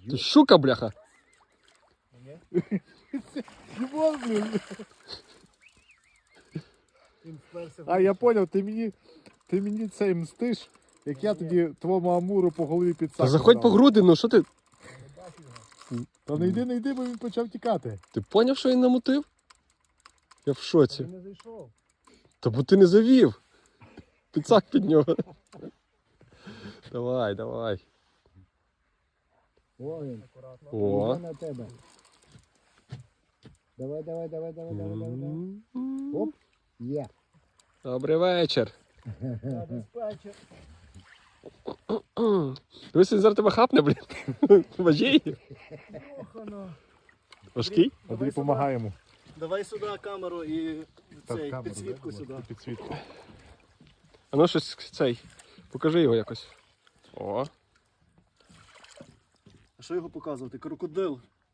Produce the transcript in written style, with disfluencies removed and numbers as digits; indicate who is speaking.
Speaker 1: Ти щука, бляха.
Speaker 2: Дімон, блін.
Speaker 3: Він вперся в
Speaker 2: А я поняв, ти мені цей мстиш, як я тоді твому амуру по голові
Speaker 1: Та
Speaker 2: підсаку.
Speaker 1: заходь по груди, ну що ти?
Speaker 2: Та не йди, бо він почав тікати.
Speaker 1: Ти поняв, що він намутив? Я в шоці.
Speaker 3: Він не зайшов.
Speaker 1: Та бо ти не завів. Підсак під нього. Давай, давай.
Speaker 3: О, він. Акуратно.
Speaker 1: О.
Speaker 3: На тебе. Давай. Оп. Є.
Speaker 1: Добрий вечір.
Speaker 3: Забезпечив.
Speaker 1: Ось він зараз тебе хапне, блін. Важій.
Speaker 3: Охано.
Speaker 1: Важкий?
Speaker 2: А тобі допомагаємо.
Speaker 3: Давай сюди камеру і цей, підсвітку сюди.
Speaker 2: Підсвітку.
Speaker 1: А ну щось цей. Покажи його якось. О.
Speaker 3: А що його показувати? Крокодил.